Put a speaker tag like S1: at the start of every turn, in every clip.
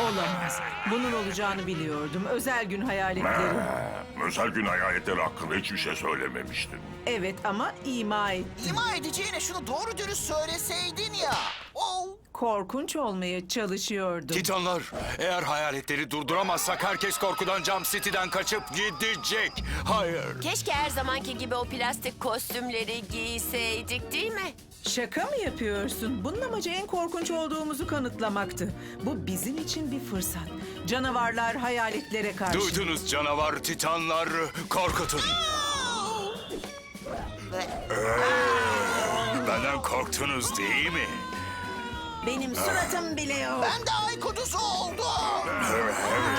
S1: Olamaz. Bunun olacağını biliyordum. Özel gün hayaletleri.
S2: Özel gün hayaletleri hakkında hiçbir şey söylememiştin.
S1: Evet ama ima ettim.
S3: İma edeceğine şunu doğru dürüst söyleseydin ya. Oh.
S1: Korkunç olmaya çalışıyordum.
S4: Titanlar, eğer hayaletleri durduramazsak herkes korkudan Jump City'den kaçıp gidecek. Hayır.
S5: Keşke her zamanki gibi o plastik kostümleri giyseydik değil mi?
S1: Şaka mı yapıyorsun? Bunun amacı en korkunç olduğumuzu kanıtlamaktı. Bu bizim için bir fırsat. Canavarlar hayaletlere karşı.
S4: Duydunuz canavar Titanlar, korkutun. Benden korktunuz değil mi?
S1: Benim suratım bile yok.
S3: Ben de ay kutusu oldum.
S4: Evet.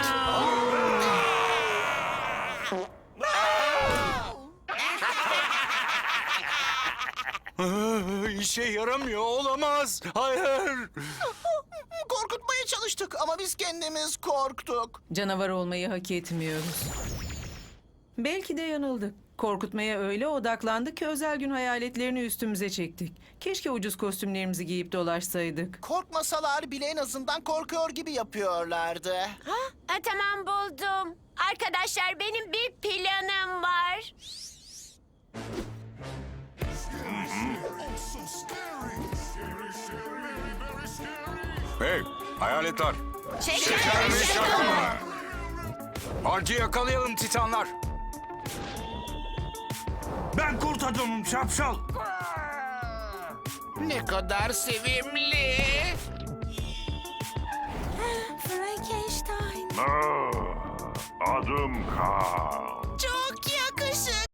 S4: İşe yaramıyor, olamaz. Hayır.
S3: Korkutmaya çalıştık ama biz kendimiz korktuk.
S1: Canavar olmayı hak etmiyoruz. Belki de yanıldık. Korkutmaya öyle odaklandık ki özel gün hayaletlerini üstümüze çektik. Keşke ucuz kostümlerimizi giyip dolaşsaydık.
S3: Korkmasalar bile en azından korkuyor gibi yapıyorlardı.
S5: Tamam buldum. Arkadaşlar benim bir planım var.
S4: Hey, hayaletler.
S5: Şeker mi şaka mı?
S4: Arcı yakalayalım Titanlar.
S6: Ben kurt adamım şapşal.
S3: Ne kadar sevimli.
S5: Frankenstein.
S2: Adım K.